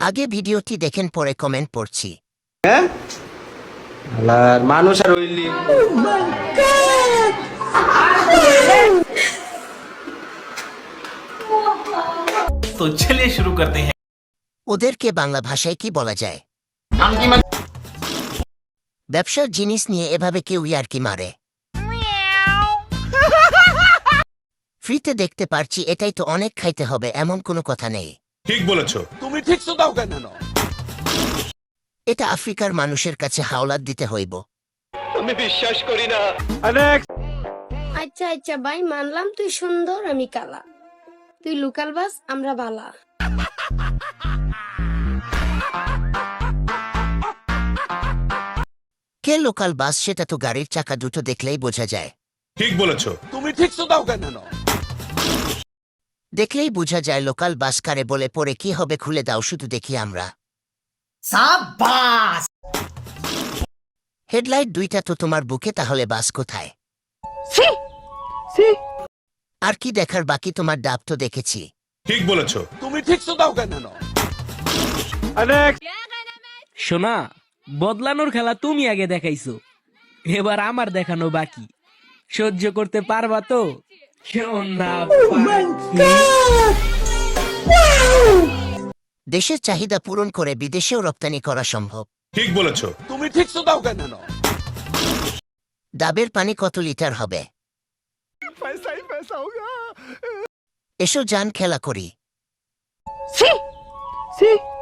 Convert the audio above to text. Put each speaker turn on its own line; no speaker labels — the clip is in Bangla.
আগে ভিডিওটি দেখেন পরে কমেন্ট পড়ছি।
হ্যাঁ আলার মানুষ আর হইলি
तो चलिए शुरू करते हैं।
ওদেরকে বাংলা ভাষায় কি বলা যায়? ব্যবসার জিনিস নিয়ে এভাবে কেউ ইয়ার্কি মারে? ফ্রিতে দেখতে পারছি এটাই তো অনেক খাইতে হবে এমন কোনো কথা নেই।
ঠিক বলেছো।
তুমি ঠিক তো দাও কেন?
এটা আফ্রিকার মানুষের কাছে হাওলাত দিতে হইব।
আমি বিশ্বাস করি না।
আচ্ছা আচ্ছা ভাই, মানলাম তুই সুন্দর আমি কালা, তুই লোকাল বাস আমরা বালা।
কে লোকাল বাস সেটা তো গাড়ির চাকা দুটো দেখলেই বোঝা যায়।
ঠিক বলেছো।
তুমি ঠিক তো দাও কেন?
দেখলেই বোঝা যায় লোকাল বাস কারে বলে, পরে কি হবে খুলে দাও শুধু দেখি আমরা। হেডলাইট দুইটা তো তোমার বুকে, তাহলে বাস কোথায়? আর কি দেখার বাকি? তোমার ডাব তো দেখেছি।
ঠিক বলেছো।
তুমি ঠিক তো দাও কেন?
শোনা, বদলানোর খেলা তুমি আগে দেখাইছো, এবার আমার দেখানো বাকি। সহ্য করতে পারবা তো?
দেশের চাহিদা পূরণ করে বিদেশেও রপ্তানি করা সম্ভব।
ঠিক বলেছো।
তুমি ঠিক তো দাও কেন?
ডাবের পানি কত লিটার হবে? এসো যান খেলা করি।